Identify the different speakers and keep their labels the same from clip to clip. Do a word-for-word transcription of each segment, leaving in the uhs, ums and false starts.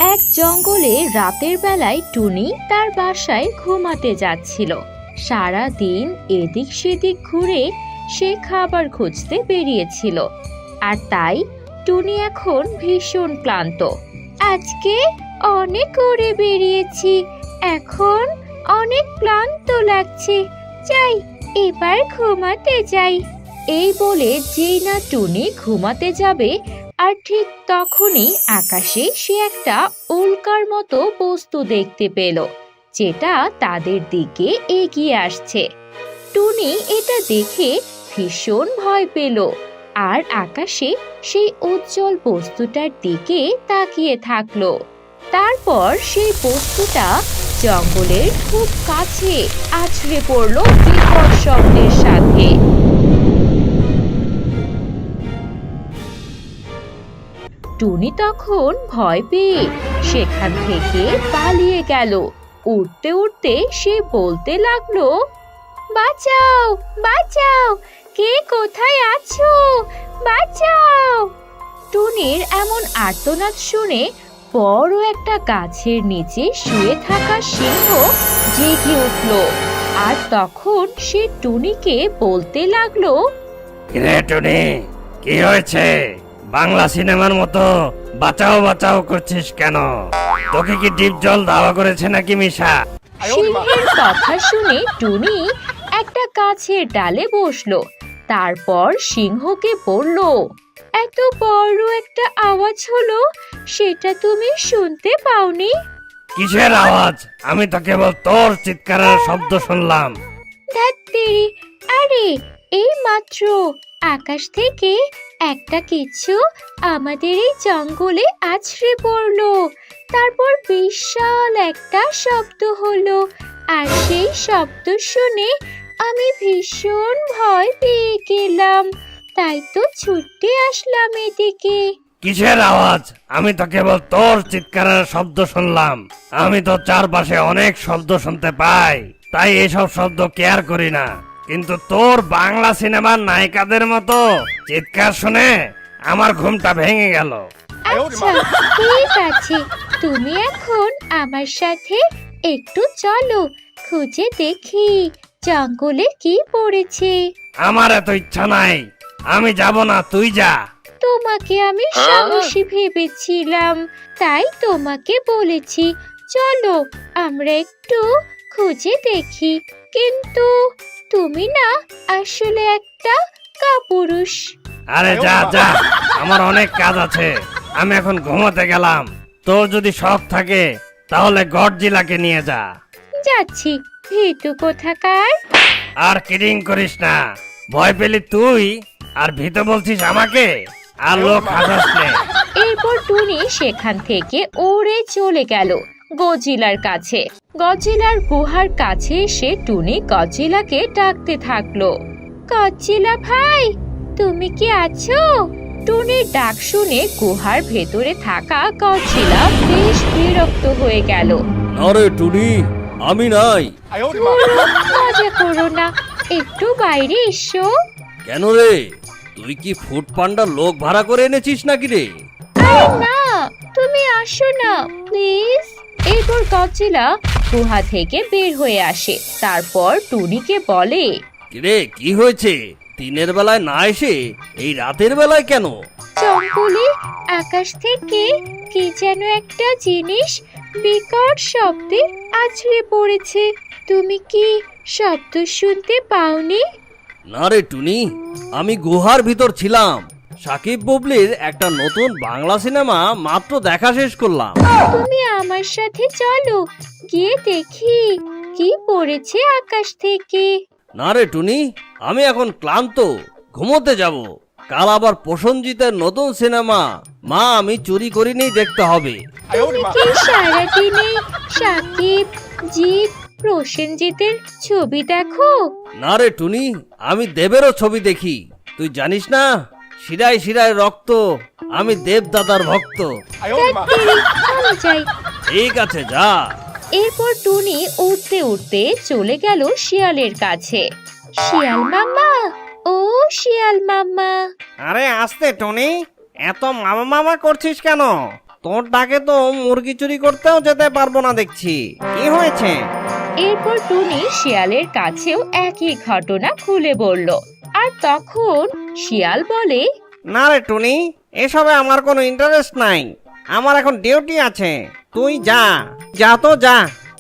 Speaker 1: এক জঙ্গলে রাতের বেলায় টুনি তার বাসায় ঘুমাতে যাচ্ছিল। সারা দিন এদিক সেদিক ঘুরে সে খাবার খুঁজতে বেরিয়েছিল, আর তাই টুনি এখন ভীষণ ক্লান্ত। আজকে অনেক ঘুরে বেরিয়েছি, এখন অনেক ক্লান্ত লাগছে, যাই এবার ঘুমাতে যাই। এই বলে যেই না টুনি ঘুমাতে যাবে, আর ঠিক তখনই আকাশে সে একটা উল্কার মতো বস্তু দেখতে পেল, যেটা তাদের দিকে এগিয়ে আসছে। টুনি এটা দেখে ভীষণ ভয় পেল, আর আকাশে সেই উজ্জ্বল বস্তুটার দিকে তাকিয়ে থাকলো। তারপর সেই বস্তুটা জঙ্গলের খুব কাছে আছড়ে পড়ল বিকট শব্দের সাথে। টুনি তখন ভয় পেয়ে সেখান থেকে পালিয়ে গেল। উঠতে উঠতে সে বলতে লাগলো, বাঁচাও বাঁচাও, কে কোথায় আছো, বাঁচাও। টুনির এমন আর্তনাদ শুনে বড় একটা গাছের নিচে শুয়ে থাকা সিংহ জেগে উঠল, আর তখন সে টুনিকে বলতে লাগলো,
Speaker 2: কিরে টুনি, কি হয়েছে? বাংলা সিনেমার মতো বাঁচাও বাঁচাও করছিস কেন? তোকে কি ডিপ জল দাওয়া করেছে নাকি মিশা?
Speaker 1: সিংহের কথা শুনে টুনি একটা গাছের ডালে বসলো। তারপর সিংহকে বলল, এত বড় একটা আওয়াজ হলো, সেটা তুমি শুনতে পাওনি?
Speaker 2: কিসের আওয়াজ? আমি তো কেবল তোর চিৎকারের শব্দ শুনলাম।
Speaker 1: ধ্যাত্তেরি, আরে এই মাত্র আকাশ থেকে একটা কিছু আমাদের এই জঙ্গলে আছড়ে পড়লো। তারপর বিশাল একটা শব্দ হলো, আর সেই শব্দ শুনে আমি ভীষণ ভয় পেয়ে গেলাম, তাই তো ছুটে আসলাম এদিকে।
Speaker 2: কিসের আওয়াজ? আমি তো কেবল তোর চিৎকারের শব্দ শুনলাম। আমি তো চারপাশে অনেক শব্দ শুনতে পাই, তাই এসব শব্দ কেয়ার করি না। কিন্তু তোর বাংলা সিনেমার নায়িকাদের মতো চিৎকার শুনে আমার ঘুমটা ভেঙে গেল।
Speaker 1: আচ্ছা ঠিক আছে, তুমি এখন আমার সাথে একটু চলো, খুঁজে দেখি জঙ্গলে কি পড়েছে।
Speaker 2: আমার এত ইচ্ছা নাই, আমি যাব না, তুই যা।
Speaker 1: তোমাকে আমি সাহসী ভেবেছিলাম, তাই তোমাকে বলেছি চলো আমরা একটু খুঁজে দেখি, কিন্তু তুমি না আসলে একটা কাপুরুষ।
Speaker 2: আরে যা যা, আমার অনেক কাজ আছে, আমি এখন ঘুমোতে গেলাম। তোর যদি শখ থাকে তাহলে গডজিলাকে নিয়ে যা।
Speaker 1: যাচ্ছি, ভীতু কোথাকার।
Speaker 2: আর কিডিং করিস না, ভয় পেলি তুই আর ভীত বলছিস আমাকে, আর লোক হাসাস নে।
Speaker 1: এরপর টুনি সেখান থেকে উড়ে চলে গেল গজিলার কাছে। গজিলার গুহার কাছে এসে টুনি গজিলাকে ডাকতে থাকলো, গজিলা ভাই, তুমি কি আছো? টুনির ডাক শুনে গুহার ভেতরে থাকা গজিলা বেশ বিরক্ত হয়ে গেল।
Speaker 3: আরে টুনি, আমি নাই।
Speaker 1: ধুরো, মজা করো না, একটু বাইরে এসো।
Speaker 3: কেন রে, তুই কি ফুড পান্ডার লোক ভাড়া করে এনেছিস নাকি রে?
Speaker 1: আরে না, তুমি আসো না প্লিজ। এরপর গজিলা গুহা থেকে বের হয়ে আসে, তারপর টুনিকে বলে,
Speaker 3: কিরে কি হয়েছে? দিনের বেলায় না এসে এই রাতের বেলায় কেন?
Speaker 1: জঙ্গলে আকাশ থেকে কি যেন একটা জিনিস বিকট শব্দে আছড়ে পড়েছে, তুমি কি শব্দ শুনতে পাওনি?
Speaker 3: না রে টুনি, আমি গুহার ভিতর ছিলাম। সাকিব বুবলির একটা নতুন বাংলা সিনেমা মাত্র দেখা শেষ করলাম।
Speaker 1: তুমি আমার সাথে চলো, গিয়ে দেখি কি পড়েছে আকাশ থেকে।
Speaker 3: না রে টুনি, আমি এখন ক্লান্ত, ঘুমোতে যাব। কাল আবার প্রসেনজিতের নতুন সিনেমা মা আমি চুরি করিনি দেখতে হবে।
Speaker 1: তুমি কি সারাদিনে সাকিব, জিৎ, প্রসেনজিতের ছবি দেখো?
Speaker 3: না রে টুনি, আমি দেবেরও ছবি দেখি। তুই জানিস না, শিরায় শিরায় রক্ত, আমি দেব দাদার ভক্ত।
Speaker 1: ধ্যাত্তেরি, আমি যাই।
Speaker 3: ঠিক আছে, যা।
Speaker 1: এরপর টুনি উঠতে উঠতে চলে গেল শিয়ালের কাছে। শিয়াল মামা, ও শিয়াল মামা।
Speaker 2: আরে আস্তে টনি, এত মামা মামা করছিস কেন?
Speaker 3: তোর ডাকে তো মুরগি চুরি করতেও যেতে পারবো না দেখছি। কি হয়েছে?
Speaker 1: এরপর টুনি শিয়ালের কাছেও একই ঘটনা খুলে বলল। আর তখন শিয়াল বলে,
Speaker 3: না রে টুনি, এসবে আমার কোনো ইন্টারেস্ট নাই। আমার এখন ডিউটি আছে, তুই যা যা তো যা।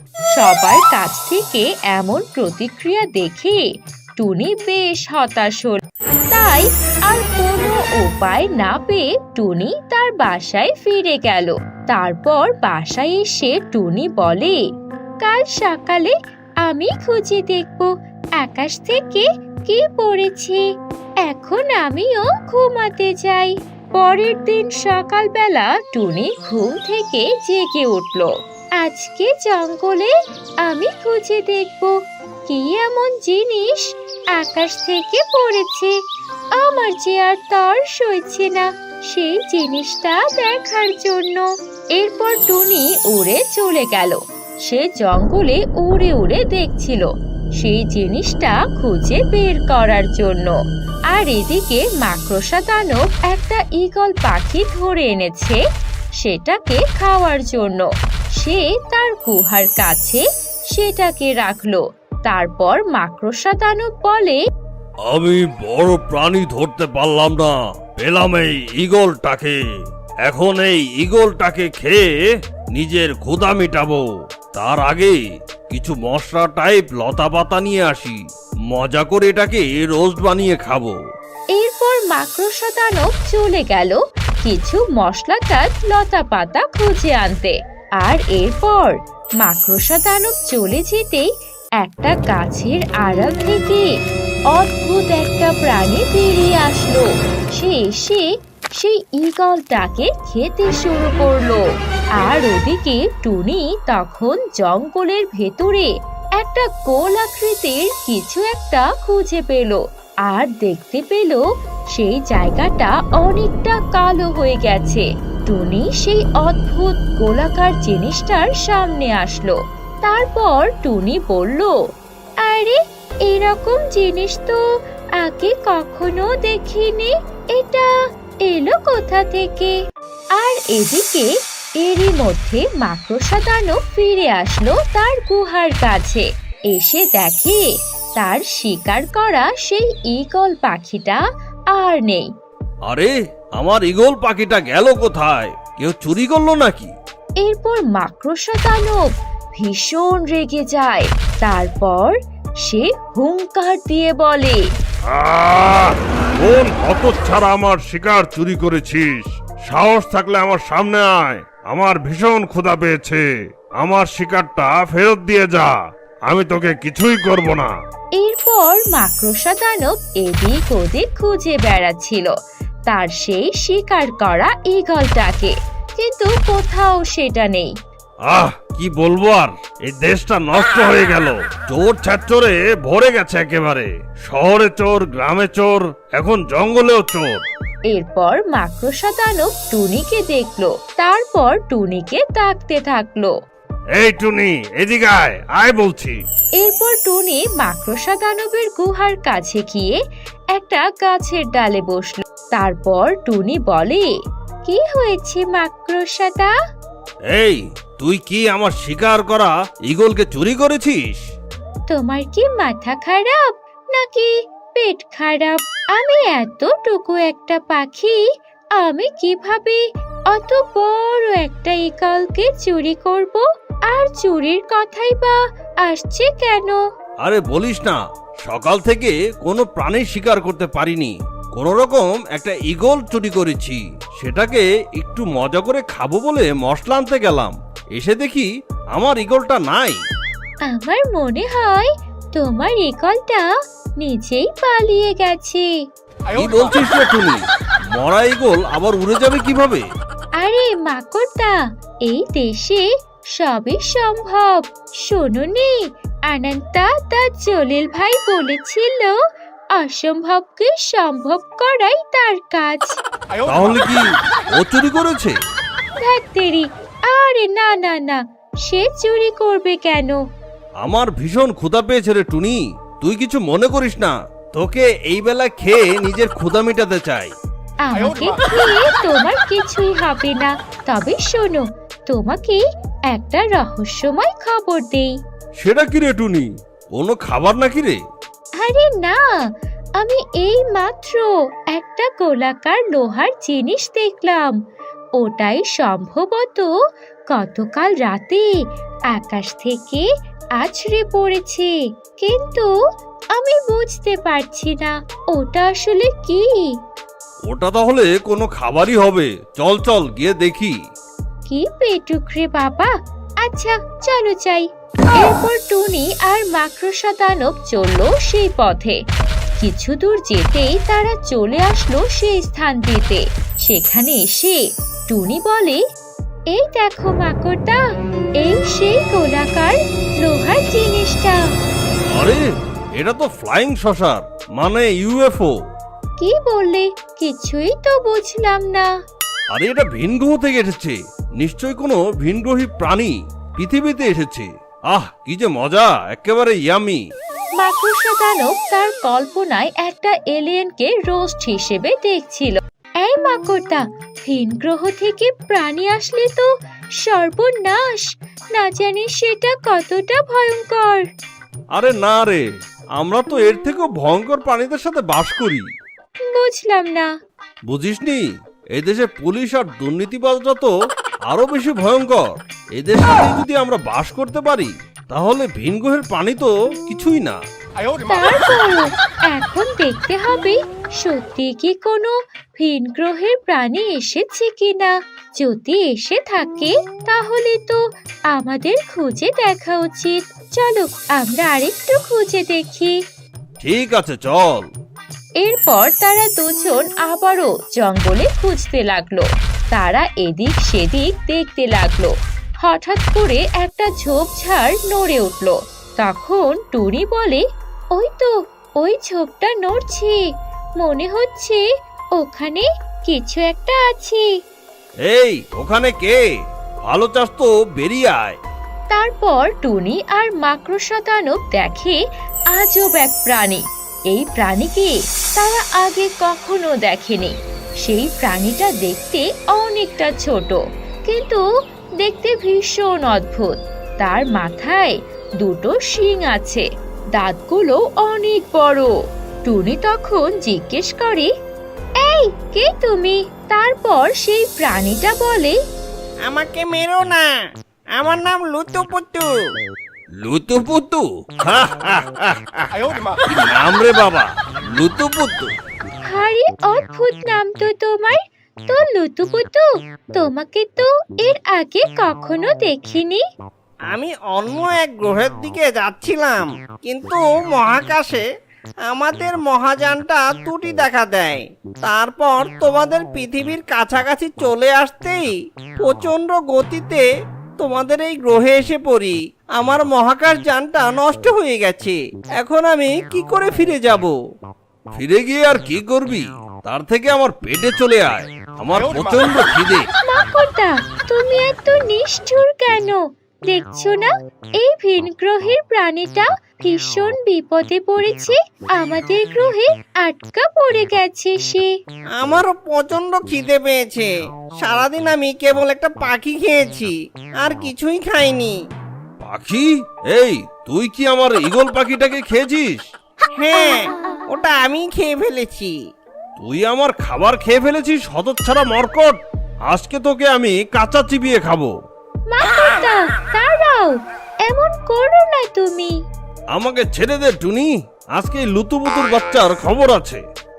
Speaker 1: সবার কাছ থেকে এমন প্রতিক্রিয়া দেখে টুনি বেশ হতাশ হল। তাই আর কোনো উপায় না পেয়ে টুনি তার বাসায় ফিরে গেল। তারপর বাসায় এসে টুনি বলে, কাল সকালে আমি খুঁজে দেখব আকাশ থেকে কি পড়েছে। এখন আমিও ঘুমাতে যাই। পরের দিন সকালবেলা টুনি ঘুম থেকে জেগে উঠল। আজকে জঙ্গলে আমি খুঁজে দেখব কি এমন জিনিস আকাশ থেকে পড়েছে। আমার যে আর তর সইছে না সেই জিনিসটা দেখার জন্য। এরপর টুনি উড়ে চলে গেল। সে জঙ্গলে উড়ে উড়ে দেখছিল সেই জিনিসটা খুঁজে বের করার জন্য। আর এদিকে মাকড়সা দানব একটা ঈগল পাখি ধরে এনেছে সেটাকে খাওয়ার জন্য। সে তার গুহার কাছে সেটাকে রাখলো। তারপর মাকড়সা দানব বলে,
Speaker 2: আমি বড় প্রাণী ধরতে পারলাম না, পেলাম এই ঈগলটাকে। এখন এই ঈগলটাকে খেয়ে নিজের ক্ষুধা মিটাবো। তার আগে কিছু মশলা টাইপ লতা পাতা নিয়ে আসি, মজা করে এটাকে রোস্ট বানিয়ে খাবো।
Speaker 1: এরপর মাকড়সা দানব চলে গেল কিছু মশলাদার লতা পাতা খুঁজে আনতে। আর এরপর মাকড়সা দানব চলে যেতেই একটা গাছের আড়াল থেকে অদ্ভুত একটা প্রাণী বেরিয়ে আসলো। সে এসে সেই ঈগলটাকে খেতে শুরু করলো। আর ওদিকে টুনি তখন জঙ্গলের ভেতরে একটা গোল আকৃতির কিছু একটা খুঁজে পেল। আর দেখতে পেল সেই জায়গাটা অনেকটা কালো হয়ে গেছে। টুনি সেই অদ্ভুত গোলাকার জিনিসটার সামনে আসলো। তারপর টুনি বলল, আরে এরকম জিনিস তো আগে কখনো দেখিনি, এটা এলো কোথা থেকে? আর এদিকে এরই মধ্যে মাকড়সা দানব ফিরে আসলো তার গুহার কাছে। এসে দেখে তার শিকার করা সেই ঈগল পাখিটা আর নেই।
Speaker 2: আরে আমার ঈগল পাখিটা গেল কোথায়? কেউ চুরি করলো নাকি?
Speaker 1: এরপর মাকড়সা দানব ভীষণ রেগে যায়। তারপর সে হুংকার দিয়ে বলে,
Speaker 4: আহ! কোন হতচ্ছাড়া আমার শিকার চুরি করেছিস? সাহস থাকলে আমার সামনে আয়। আমার ভীষণ ক্ষুধা পেয়েছে। আমার শিকারটা ফেরত দিয়ে যা। আমি তোকে কিছুই করব না।
Speaker 1: এরপর মাকড়সা দানব এদিক ওদিক খুঁজে বেড়াচ্ছিল তার সেই শিকার করা ঈগলটাকে, কিন্তু কোথাও সেটা নেই।
Speaker 4: আহ, কি বলবো আর, এই দেশটা নষ্ট হয়ে গেল। চোর ছাত্রে ভরে গেছে একেবারে। শহরে চোর, গ্রামে চোর, এখন জঙ্গলেও চোর।
Speaker 1: এরপর মাকড়সা দানব টুনিকে দেখলো। তারপর টুনিকে ডাকতে থাকলো।
Speaker 4: এই টুনি, এদিকে আয়, আয় বলছি।
Speaker 1: এরপর টুনি মাকড়সা দানবের গুহার কাছে গিয়ে একটা গাছের ডালে বসলো। তারপর টুনি বলে, কি হয়েছে মাকড়সাদা?
Speaker 2: এই, তুই কি আমার শিকার করা ঈগলকে চুরি করেছিস?
Speaker 1: তোমার কি মাথা খারাপ নাকি পেট খারাপ? আমি এতটুকু একটা পাখি, আমি কিভাবে অত বড় একটা ঈগলকে চুরি করব? আর চুরির কথাই বা আসছে কেন?
Speaker 2: আরে বলিস না, সকাল থেকে কোনো প্রাণী শিকার করতে পারিনি। কোন রকম একটা ঈগল চুরি করেছি। সেটাকে একটু মজা করে খাবো বলে মশলা আনতে গেলাম, এসে দেখি আমার ঈগলটা নাই।
Speaker 1: আমার মনে হয় তোমার ঈগলটা নিজেই পালিয়ে গেছে।
Speaker 2: কি বলছিস রে টুনি? মরা ঈগল আবার উড়ে যাবে কিভাবে?
Speaker 1: আরে মাকড়দা, এই দেশে সবই সম্ভব। শোনোনি, আনন্তা তার জলিল ভাই বলেছিল অসম্ভবকে সম্ভব করাই তার কাজ।
Speaker 2: তাহলে কি ও চুরি করেছে?
Speaker 1: ধ্যাত্তেরি, আরে না না না, সে চুরি করবে কেন?
Speaker 2: আমার ভীষণ ক্ষুধা পেয়েছে রে টুনি, তুই কিছু মনে করিস না। তোকে এই বেলা খেয়ে নিজের ক্ষুধা মেটাতে চাই।
Speaker 1: আমাকে খেয়ে তোমার কিছুই হবে না। তবে শোনো, তোমাকে একটা রহস্যময় খবর দেই।
Speaker 3: সেটা কি রে টুনি? কোনো খাবার নাকি রে?
Speaker 1: আরে না, আমি এই মাত্র একটা গোলাকার লোহার জিনিস দেখলাম। ওটাই সম্ভবত গতকাল রাতে আকাশ থেকে আছড়ে পড়েছে, কিন্তু আমি বুঝতে পারছি না ওটা আসলে কি।
Speaker 3: ওটা তাহলে কোনো খাবারই হবে। চল চল গিয়ে দেখি।
Speaker 1: কি পেটুক রে বাবা। আচ্ছা চলো যাই। এরপর টুনি আর মাকড়সা দানব চললো সেই পথে। কিছু দূর যেতেই তারা চলে আসলো সেই স্থানটিতে। সেখানে এসে টুনি বলে, এই দেখো মাকড়দা, এই সেই গোলাকার লোহার জিনিসটা।
Speaker 3: আরে এটা তো ফ্লাইং সসার, মানে ইউএফও।
Speaker 1: কি বললে? কিছুই তো বুঝলাম না।
Speaker 3: আরে এটা ভিনগ্রহ থেকে এসেছে, নিশ্চয় কোনো ভিনগ্রহী প্রাণী পৃথিবীতে এসেছে। আহ কি যে মজা, একেবারে ইয়ামি।
Speaker 1: মাকড়সা দানব তার কল্পনায় একটা এলিয়েনকে রোস্ট হিসেবে দেখছিল। এই মাকড়দা, ভিন গ্রহ থেকে প্রাণী আসলে তো সর্বনাশ। না জানি সেটা কতটা ভয়ঙ্কর।
Speaker 3: আরে না রে, আমরা তো এর থেকেও ভয়ঙ্কর প্রাণীদের সাথে বাস করি।
Speaker 1: বুঝলাম না।
Speaker 3: বুঝিসনি? এই দেশে পুলিশ আর দুর্নীতিবাজরা তো আরো বেশি ভয়ঙ্কর। এদের সাথে যদি আমরা বাস করতে পারি তাহলে ভিনগ্রহের প্রাণী তো কিছুই না।
Speaker 1: তারপরও এখন দেখতে হবে সত্যি কি কোনো ভিন গ্রহের প্রাণী এসেছে কিনা। যদি এসে থাকে তাহলে তো আমাদের খুঁজে দেখা উচিত। চলো আমরা আরেকটু খুঁজে দেখি।
Speaker 3: ঠিক আছে চল।
Speaker 1: এরপর তারা দুজন আবারও জঙ্গলে খুঁজতে লাগলো। তারা এদিক সেদিক দেখতে লাগলো। হঠাৎ করে একটা ঝোপঝাড় নড়ে উঠলো। তখন টুনি বলে, ওই তো ওই ঝোপটা নড়ছে, মনে হচ্ছে ওখানে কিছু একটা আছে।
Speaker 3: এই ওখানে কে? ভালো চাস তো বেরিয়ে আয়।
Speaker 1: তারপর টুনি আর মাকড়সা দানব দেখে আজব এক প্রাণী। এই প্রাণীকে তারা আগে কখনো দেখেনি। সেই প্রাণীটা দেখতে অনেকটা ছোট, কিন্তু দেখতে ভীষণ অদ্ভুত। তার মাথায় দুটো শিং আছে, দাঁতগুলো অনেক বড়। টুনি তখন জিজ্ঞেস করে, এই কে তুমি? তারপর সেই প্রাণীটা বলে,
Speaker 5: আমাকে মেরো না, আমার নাম লুতুপুতু।
Speaker 3: লুতুপুতু? কি নাম রে বাবা, লুতুপুতু?
Speaker 1: আরে অদ্ভুত নাম তো তোমার। তো লুতুপুতু, তোমাকে তো এর আগে কখনো দেখিনি।
Speaker 5: আমি অন্য এক গ্রহের দিকে যাচ্ছিলাম, কিন্তু মহাকাশে আমাদের মহাযানটা ত্রুটি দেখা দেয়। তারপর তোমাদের পৃথিবীর কাছাকাছি চলে আসতেই প্রচন্ড গতিতে তোমাদের এই গ্রহে এসে পড়ি। আমার মহাকাশ যানটা নষ্ট হয়ে গেছে। এখন আমি কি করে ফিরে যাব?
Speaker 3: ফিরে গিয়ে আর কি করবি? তার থেকে আমার পেটে চলে আয়, আমার প্রচন্ড খিদে।
Speaker 1: মাকড়দা, তুমি এত নিষ্ঠুর কেন? দেখছো না এই ভিন গ্রহের প্রাণীটা ভীষণ বিপদে পড়েছে। আমাদের গ্রহে আটকা পড়ে গেছে সে।
Speaker 5: আমারও প্রচন্ড খিদে পেয়েছে। সারাদিন আমি কেবল একটা পাখি খেয়েছি, আর কিছুই খাইনি।
Speaker 3: পাখি? এই তুই কি আমার ঈগল পাখিটাকে খেয়েছিস?
Speaker 5: হ্যাঁ, ওটা আমি খেয়ে ফেলেছি।
Speaker 3: তুই আমার খাবার খেয়ে ফেলেছিস হতচ্ছাড়া মরকট। আজকে তোকে আমি কাঁচা চিবিয়ে খাবো।
Speaker 1: মাকড়দা দাঁড়াও, এমন করো না তুমি।
Speaker 3: আমাকে ছেড়ে দে টুনি, আজকে এই লুতুপুতুর বাচ্চার খবর আছে।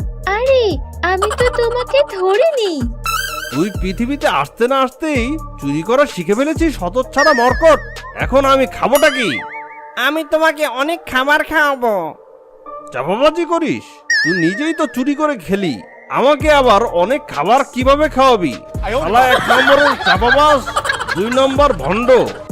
Speaker 1: আরে আমি তো তোমাকে ধরিনি।
Speaker 3: তুই পৃথিবীতে আসতে না আসতেই চুরি করা শিখে ফেলেছিস হতচ্ছাড়া মরকট। এখন আমি খাবোটা কি?
Speaker 5: আমি তোমাকে অনেক খাবার খাওয়াবো।
Speaker 3: চাপাবাজি করিস? তুই নিজেই তো চুরি করে খেলি, আমাকে আবার অনেক খাবার কিভাবে খাওয়াবি? শালা এক নম্বরের চাপাবাজ, দুই নম্বর ভণ্ড।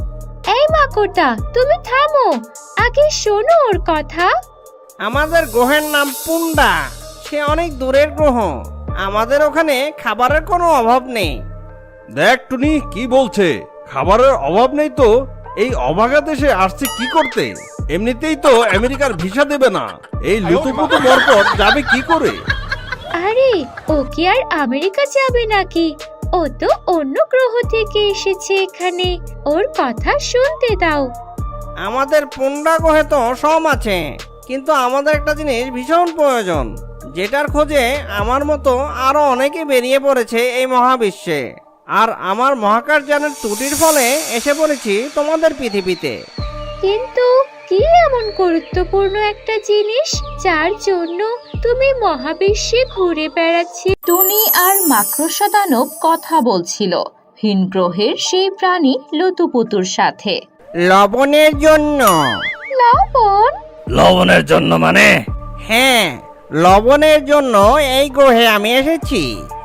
Speaker 1: এই মাকড়দা, তুমি থামো, আগে শোনো ওর কথা।
Speaker 5: আমাদের গ্রহের নাম পুন্ডা। সে অনেক দূরের গ্রহ। আমাদের ওখানে খাবারের কোনো অভাব নেই।
Speaker 3: দেখ টুনি কি বলছে, খাবারের অভাব নেই তো এই অভাগা দেশে আসছে কি করতে? এমনিতেই তো আমেরিকার ভিসা দেবে না, এই লুতুপুতু মরকট যাবে কি করে?
Speaker 1: আরে ও কি আর আমেরিকা যাবে নাকি? ও তো অন্য গ্রহ থেকে এসেছে এখানে। ওর কথা শুনতে দাও।
Speaker 5: আমাদের পুন্ডা গ্রহে তো সব আছে, কিন্তু আমাদের একটা জিনিস ভীষণ প্রয়োজন, যেটার খোঁজে আমার মতো আরো অনেকে বেরিয়ে পড়েছে এই মহাবিশ্বে। আর আমার মহাকাশযানের ত্রুটির ফলে এসে পড়েছি তোমাদের পৃথিবীতে।
Speaker 1: কিন্তু কি এমন গুরুত্বপূর্ণ একটা জিনিস যার জন্য তুমি মহাবিশ্বে ঘুরে বেড়াচ্ছি? টুনি আর মাকড়সা দানব কথা বলছিল ভিন গ্রহের সেই প্রাণী লতুপুতুর সাথে।
Speaker 5: লবণের জন্য।
Speaker 1: লবণ?
Speaker 2: লবণের জন্য মানে?
Speaker 5: হ্যাঁ, লবণের জন্য এই গ্রহে আমি এসেছি।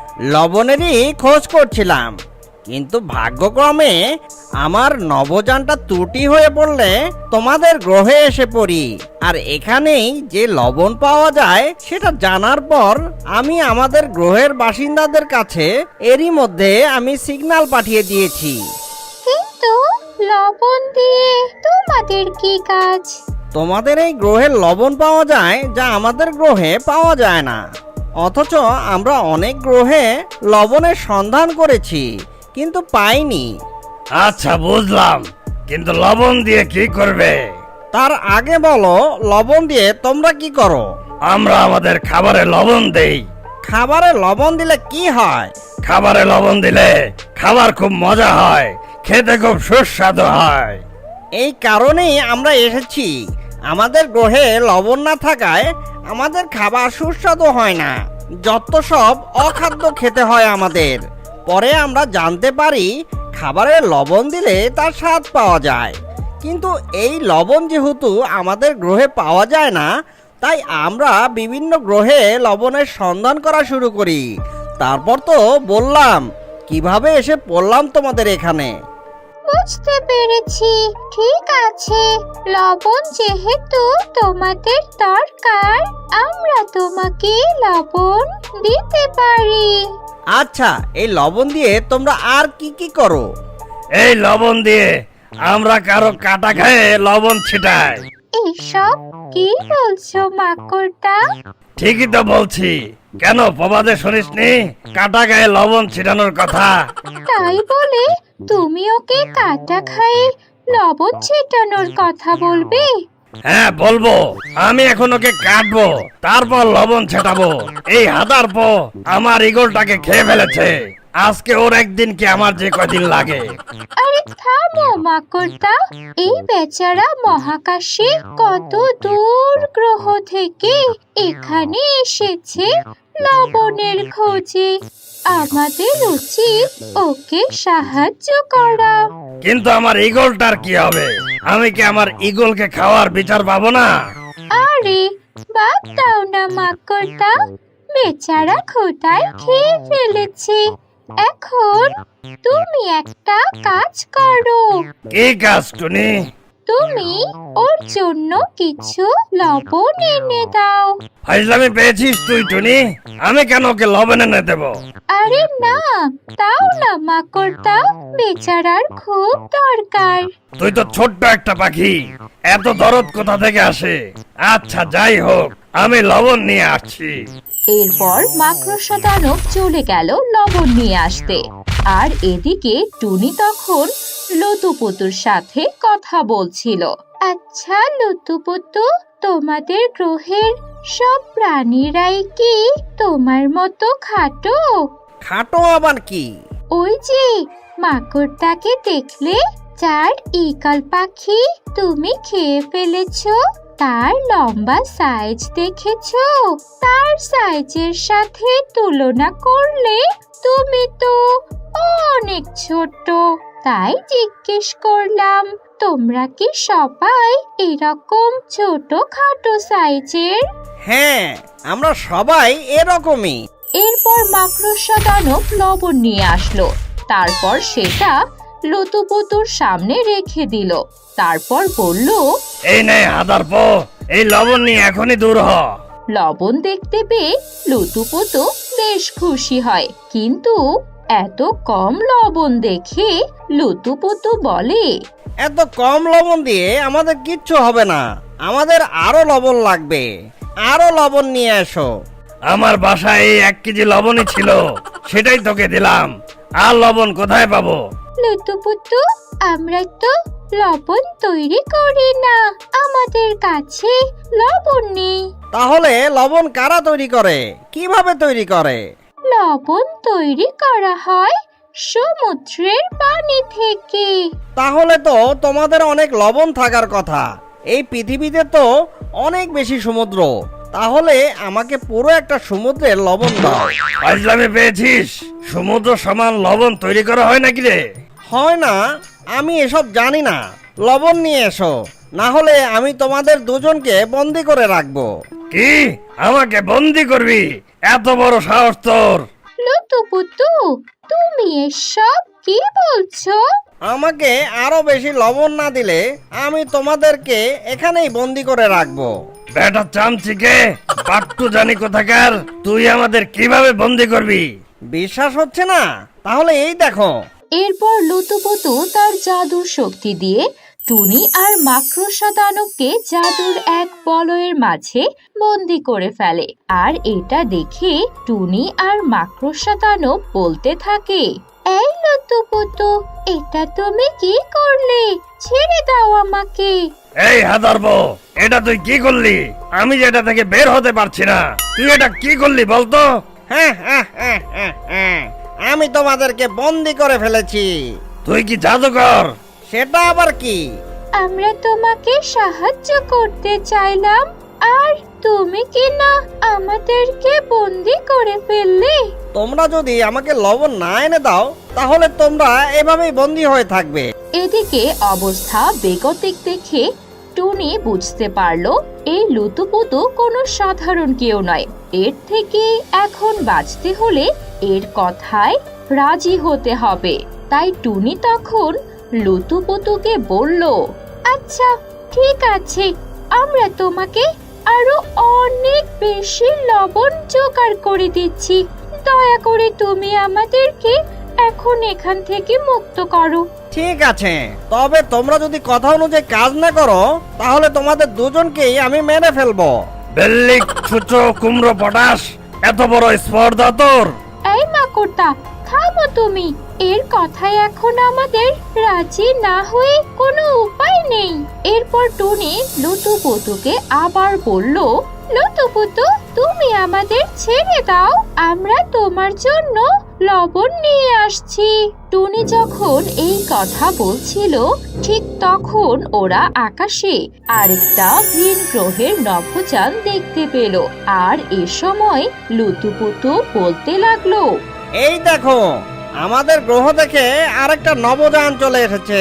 Speaker 5: লবণেরই খোঁজ করছিলাম, কিন্তু ভাগ্যক্রমে আমার নবযানটা ত্রুটি হয়ে পড়লে তোমাদের গ্রহে এসে পড়ি। আর এখানেই যে লবণ পাওয়া যায় সেটা জানার পর আমি আমাদের গ্রহের বাসিন্দাদের কাছে এরই মধ্যে আমি সিগন্যাল পাঠিয়ে দিয়েছি।
Speaker 1: কিন্তু লবণ দিয়ে তোমাদের কি কাজ?
Speaker 5: তোমাদের এই গ্রহে লবণ পাওয়া যায় যা আমাদের গ্রহে পাওয়া যায় না। অথচ আমরা অনেক গ্রহে লবণের সন্ধান করেছি, কিন্তু পাইনি।
Speaker 2: আচ্ছা বুঝলাম, কিন্তু লবণ দিয়ে কি করবে?
Speaker 5: তার আগে বলো, লবণ দিয়ে তোমরা কি করো?
Speaker 2: আমরা আমাদের খাবারে লবণ দেই।
Speaker 5: খাবারে লবণ দিলে কি হয়?
Speaker 2: খাবারে লবণ দিলে খাবার খুব মজা হয়, খেতে খুব সুস্বাদু হয়।
Speaker 5: এই কারণেই আমরা এসেছি। আমাদের গ্রহে লবণ না থাকায় আমাদের খাবার সুস্বাদু হয় না, যত সব অখাদ্য খেতে হয় আমাদের। পরে আমরা জানতে পারি খাবারে লবণ দিলে তার স্বাদ পাওয়া যায়। কিন্তু এই লবণ যেহেতু আমাদের গ্রহে পাওয়া যায় না, তাই আমরা বিভিন্ন গ্রহে লবণের সন্ধান করা শুরু করি। তারপর তো বললাম কিভাবে এসে পড়লাম তোমাদের এখানে।
Speaker 1: বুঝতে পেরেছি। ঠিক আছে, লবণ যেহেতু তোমাদের দরকার, আমরা তোমাকে লবণ দিতে পারি।
Speaker 5: আচ্ছা, এই লবণ দিয়ে তোমরা আর কি কি করো?
Speaker 2: এই লবণ দিয়ে আমরা কারো কাটা খায়ে লবণ ছিটাই।
Speaker 1: এসব কি বলছো মাকড়টা?
Speaker 2: ঠিকই তো বলছি। কেন প্রবাদে শুনিসনি কাটা গায়ে লবণ ছিটানোর কথা?
Speaker 1: তাই বলে তুমি ওকে কাটা খায়ে লবণ ছিটানোর কথা বলবে?
Speaker 2: হ্যাঁ বলবো। আমি এখন ওকে কাটবো, তারপর লবণ ছেটাবো। এই হাদার পো আমার ইগলটাকে খেয়ে ফেলেছে। আজকে ওর একদিন কি আমার যে কদিন লাগে।
Speaker 1: আরে থামো মাকড়টা, এই বেচারা মহাকাশে কত দূর গ্রহ থেকে এখানে এসেছে লবণের খোঁজে। আমাদের উচিত ওকে সাহায্য করা।
Speaker 2: কিন্তু আমার ইগলটার কি হবে? আমি কি আমার ইগলকে খাওয়ার বিচার পাবো না?
Speaker 1: আরে বাদ দাও না মাকড়টা, বেচারা ক্ষুধায় খেয়ে ফেলেছে। এখন তুমি একটা কাজ করো।
Speaker 2: কি কাজ টুনি?
Speaker 1: তুমি ওর জন্য কিছু লবণ এনে দাও।
Speaker 2: ফাইজলামি পেয়েছিস তুই টুনি? আমি কেন ওকে লবণ এনে দেবো?
Speaker 1: আরে না, দাও না মাকড়টা, বেচারার খুব দরকার।
Speaker 2: তুই তো ছোট্ট একটা পাখি, এত দরদ কোথা থেকে আসে? আচ্ছা যাই হোক, আমি লবণ নিয়ে আসছি।
Speaker 1: এরপর মাকড়সা দানব চলে গেল লবণ নিয়ে আসতে। আর এদিকে টুনি তখন লতুপুতুর সাথে কথা বলছিল। আচ্ছা লতুপুতু, তোমাদের গ্রহের সব প্রাণীরাই কি তোমার মতো খাটো?
Speaker 5: খাটো আবার কি?
Speaker 1: ওই যে মাকড়টাকে দেখলে, যার ঈগল পাখি তুমি খেয়ে ফেলেছো, তার লম্বা সাইজ দেখেছো? তার সাইজের সাথে তুলনা করলে তুমি তো অনেক ছোট। তাই জিজ্ঞেস করলাম, তোমরা কি সবাই এরকম ছোট খাটো সাইজের?
Speaker 5: হ্যাঁ, আমরা সবাই এরকমই।
Speaker 1: এরপর মাকড়সা দানব লবণ নিয়ে আসলো। তারপর সেটা লতুপুতুর সামনে রেখে দিল। তারপর বলল,
Speaker 2: এই নে হাদার পো, এই লবণ নিয়ে এখনই দূর হ।
Speaker 1: লবণ দেখতে পেয়ে লতুপুতু বেশ খুশি হয়, কিন্তু এত কম লবণ দেখে লতুপুতু বলে,
Speaker 5: এত কম লবণ দিয়ে আমাদের কিচ্ছু হবে না, আমাদের আরো লবণ লাগবে। আরো লবণ নিয়ে এসো।
Speaker 2: আমার বাসায় এই এক কেজি লবণই ছিল, সেটাই তোকে দিলাম। আর লবণ কোথায় পাবো?
Speaker 1: লুতুপুতু, আমরা তো লবণ তৈরি করি না, আমাদের কাছে লবণ নেই।
Speaker 5: তাহলে লবণ কারা তৈরি করে, কিভাবে তৈরি করে?
Speaker 1: লবণ তৈরি করা হয় সমুদ্রের পানি থেকে।
Speaker 5: তাহলে তো তোমাদের অনেক লবণ থাকার কথা। এই পৃথিবীতে তো অনেক বেশি সমুদ্র, তাহলে আমাকে পুরো একটা সমুদ্রের লবণ দাও।
Speaker 2: ফাজলামি পেয়েছিস? সমুদ্র সমান লবণ তৈরি করা হয় নাকি রে?
Speaker 5: হয় না, আমি এসব জানি না। লবণ নিয়ে এসো, না হলে আমি তোমাদের দুজনকে বন্দি করে রাখবো।
Speaker 2: কি, আমাকে বন্দি করবি? এত বড় সাহস তোর?
Speaker 1: লুতুপুতু, তুমি এসব কি বলছো?
Speaker 5: আমাকে আরো বেশি লবণ না দিলে আমি তোমাদেরকে এখানেই বন্দি করে রাখবো।
Speaker 2: বেটা চামচিকে, বাট্টু জানি কোথাকার, তুই আমাদের কিভাবে বন্দি করবি?
Speaker 5: বিশ্বাস হচ্ছে না? তাহলে এই দেখো।
Speaker 1: এরপর লুতুপুতু তার জাদুর শক্তি দিয়ে টুনি আর মাকড়সা দানবকে জাদুর এক বলয়ের মাঝে বন্দি করে ফেলে। আর এটা দেখে টুনি আর মাকড়সা দানব বলতে থাকে, এই লুতুপুতু, এটা তুমি কি করলে? ছেড়ে দাও আমাকে।
Speaker 2: এই হাদারব, এটা তুই কি করলি? আমি যেটা থেকে বের হতে পারছি না, তুই এটা কি করলি বলতো?
Speaker 5: হ্যাঁ হ্যাঁ হ্যাঁ হ্যাঁ হ্যাঁ, আমি তোমাদেরকে বন্দি করে ফেলেছি।
Speaker 2: তুই কি জাদুকর?
Speaker 5: সেটা আবার কি?
Speaker 1: আমরা তোমাকে সাহায্য করতে চাইলাম, আর তুমি কি না আমাদেরকে বন্দি করে ফেললে?
Speaker 5: তোমরা যদি আমাকে লবণ না এনে দাও, তাহলে তোমরা এভাবেই বন্দি হয়ে থাকবে।
Speaker 1: এদিকে অবস্থা বেগতিক দেখে টুনি বুঝতে পারলো এই লুতুপুতু কোনো সাধারণ কেউ নয়। এর থেকে এখন বাঁচতে হলে এর কথায় রাজি হতে হবে। তাই টুনি তখন লুতুপুতুকে বলল, আচ্ছা ঠিক আছে, আমরা তোমাকে আরো অনেক বেশি লবণ জোগাড় করে দিচ্ছি। দয়া করে তুমি আমাদেরকে এখন এখান থেকে মুক্ত করো।
Speaker 5: ঠিক আছে, তবে তোমরা যদি কথা অনুযায়ী কাজ না করো, তাহলে তোমাদের দুজনকেই আমি মেরে ফেলবো।
Speaker 2: বেল্লিক ছুচো কুমড়ো পটাশ, এত বড় স্পর্ধা তোর?
Speaker 1: এই মাকড়টা, থামো তুমি। এর কথায় এখন আমাদের রাজি না হয়ে কোনো উপায় নেই। এরপর টুনি লুতুপুতুকে আবার বলল, লুতুপুতু, তুমি আমাদের ছেড়ে দাও, আমরা তোমার জন্য লবণ নিয়ে আসছি। টুনি যখন এই কথা বলছিল, ঠিক তখন ওরা আকাশে আরেকটা ভিন গ্রহের নভোযান দেখতে পেল। আর এ সময় লুতুপুতু বলতে লাগলো,
Speaker 5: এই দেখো, আমাদের গ্রহ থেকে আরেকটা নবযান চলে এসেছে।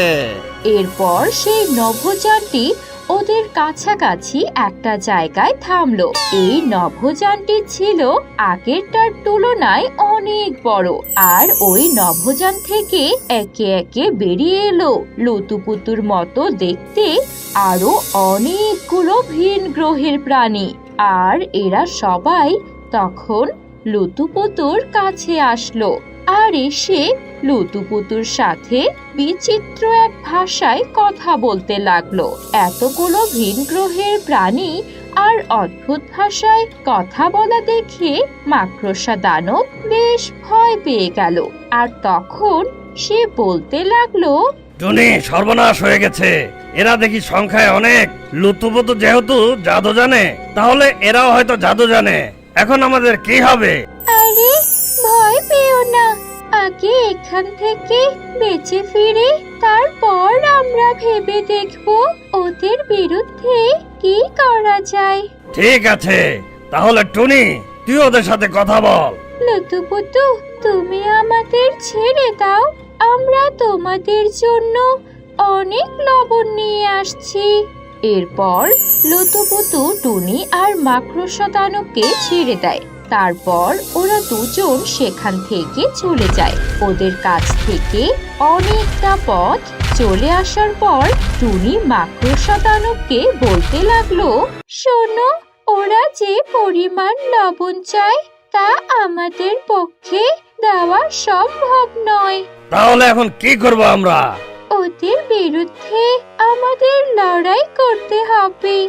Speaker 1: এরপর সেই নভোযানটি ওদের কাছাকাছি একটা জায়গায় থামলো। এই নভোযানটি ছিল আগেরটার তুলনায় অনেক বড়, আর ওই নভোযান থেকে একে একে বেরিয়ে এলো লুতুপুতুর মতো দেখতে আরো অনেকগুলো ভিন গ্রহের প্রাণী। আর এরা সবাই তখন লুতুপুতুর কাছে আসলো আর এসে লুতুপুতুর সাথে বিচিত্র এক ভাষায় কথা বলতে লাগলো। এতগুলো ভিন গ্রহের প্রাণী আর অদ্ভুত ভাষায় কথা বলা দেখে মাকড়সা দানব বেশ ভয় পেয়ে গেল। আর তখন সে বলতে লাগলো,
Speaker 2: টুনি, সর্বনাশ হয়ে গেছে। এরা দেখি সংখ্যায় অনেক। লুতুপুতু যেহেতু জাদু জানে, তাহলে এরাও হয়তো জাদু জানে। এখন আমাদের কি হবে?
Speaker 1: আরে ভয় পেও না, আগে এখান থেকে বেঁচে ফিরে তারপর আমরা ভেবে দেখব ওদের বিরুদ্ধে কি করা যায়।
Speaker 2: ঠিক আছে, তাহলে টুনি, তুই ওদের সাথে কথা বল।
Speaker 1: লুতুপুতু, তুমি আমাদের ছেড়ে দাও, আমরা তোমাদের জন্য অনেক লবণ নিয়ে আসছি। এরপর লুতুপুতু টুনি আর মাকড়সা দানবকে ছেড়ে দেয়। তারপর ওরা দুজন সেখান থেকে চলে যায়। ওদের কাছ থেকে অনেকটা পথ চলে আসার পর টুনি মাকড়সা দানবকে বলতে লাগলো, শোনো, ওরা যে পরিমাণ লবণ চায় তা আমাদের পক্ষে দেওয়া সম্ভব নয়।
Speaker 2: তাহলে এখন কি করব আমরা?
Speaker 1: ওদের বিরুদ্ধে আমাদের লড়াই করতে হবে।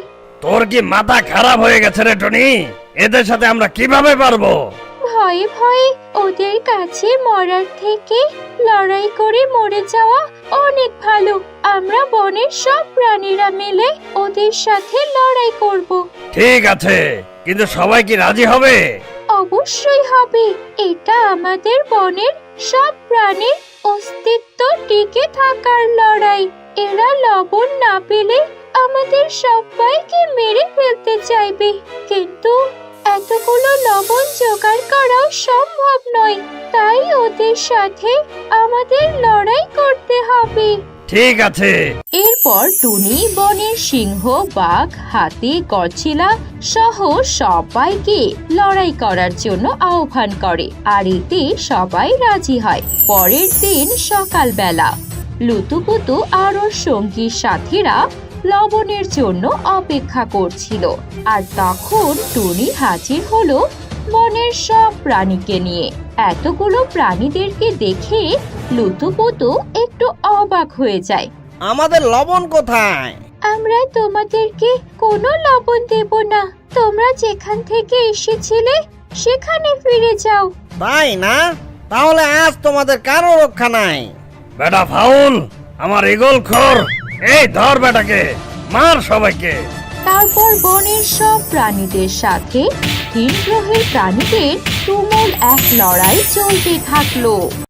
Speaker 2: তোর কি মাথা খারাপ হয়ে গেছে রে টনি? এদের সাথে আমরা কিভাবে পারবো?
Speaker 1: ভয়ে ভয়ে ওদের কাছে মরার থেকে লড়াই করে মরে যাওয়া অনেক ভালো। আমরা বনের সব প্রাণীরা মিলে ওদের সাথে লড়াই করব।
Speaker 2: ঠিক আছে, কিন্তু সবাই কি রাজি হবে?
Speaker 1: অবশ্যই হবে। এটা আমাদের বনের সব প্রাণীর অস্তিত্ব টিকে থাকার লড়াই। এরা লবণ না পেলে আমাদের সবাইকে মেরে ফেলতে চাইবে, কিন্তু এতগুলো লবণ জোগাড় করাও সম্ভব নয়। তাই ওদের সাথে আমাদের লড়াই করতে হবে।
Speaker 2: ঠিক আছে।
Speaker 1: এরপর টুনি বনের সিংহ, বাঘ, হাতি, গডজিলা সহ সবাইকে লড়াই করার জন্য আহ্বান করে, আর এতে সবাই রাজি হয়। পরের দিন সকালবেলা লুতুপুতু আর ওর সঙ্গী সাথীরা লবণের জন্য অপেক্ষা করছিল, আর তখন টুনি হাজির হলো বনের সব প্রাণীকে নিয়ে। এতগুলো প্রাণীদেরকে দেখে লুতুপুতু একটু অবাক হয়ে যায়।
Speaker 5: আমাদের লবণ কোথায়?
Speaker 1: আমরা তোমাদেরকে কোনো লবণ দেব না। তোমরা যেখান থেকে এসেছিলে সেখানে ফিরে যাও।
Speaker 5: তাই না? তাহলে আজ তোমাদের কারো রক্ষা নাই।
Speaker 2: বেটা ফাউল, আমার ইগল খোর, এই ধর বেটাকে, মার সবাইকে।
Speaker 1: তারপর বনের সব প্রাণীদের সাথে ভিন গ্রহের প্রাণীদের তুমুল এক লড়াই চলতে থাকলো।